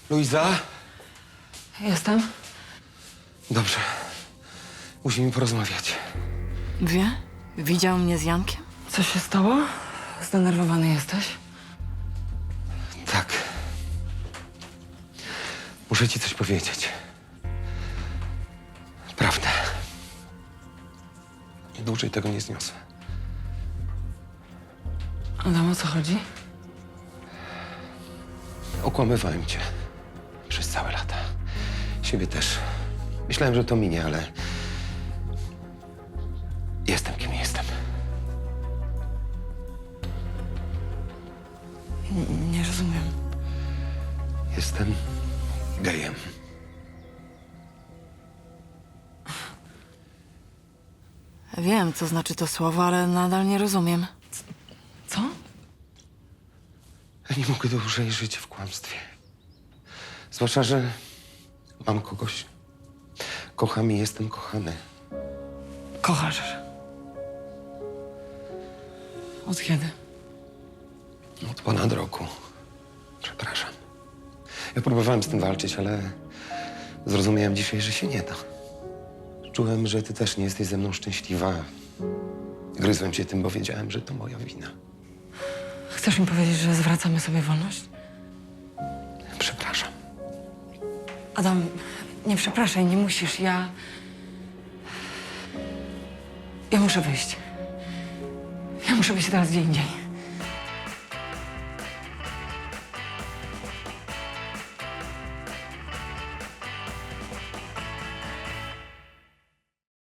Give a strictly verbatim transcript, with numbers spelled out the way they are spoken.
Luiza? Jestem. Dobrze. Musimy porozmawiać. Wie? Widział mnie z Jankiem? Co się stało? Zdenerwowany jesteś? Tak. Muszę ci coś powiedzieć. Prawda. Dłużej tego nie zniosę. Adam, o co chodzi? Okłamywałem cię. Przez całe lata. Siebie też. Myślałem, że to minie, ale... Jestem kim jestem. N- nie rozumiem. Jestem gejem. Wiem, co znaczy to słowo, ale nadal nie rozumiem. Co? Ja nie mogę dłużej żyć w kłamstwie. Zwłaszcza, że mam kogoś. Kocham i jestem kochany. Kochasz. Od kiedy? Od ponad roku. Przepraszam. Ja próbowałem z tym walczyć, ale zrozumiałem dzisiaj, że się nie da. Czułem, że ty też nie jesteś ze mną szczęśliwa. Gryzłem cię tym, bo wiedziałem, że to moja wina. Chcesz mi powiedzieć, że zwracamy sobie wolność? Przepraszam. Adam, nie przepraszaj, nie musisz. Ja... Ja muszę wyjść. Ja muszę być teraz gdzie indziej.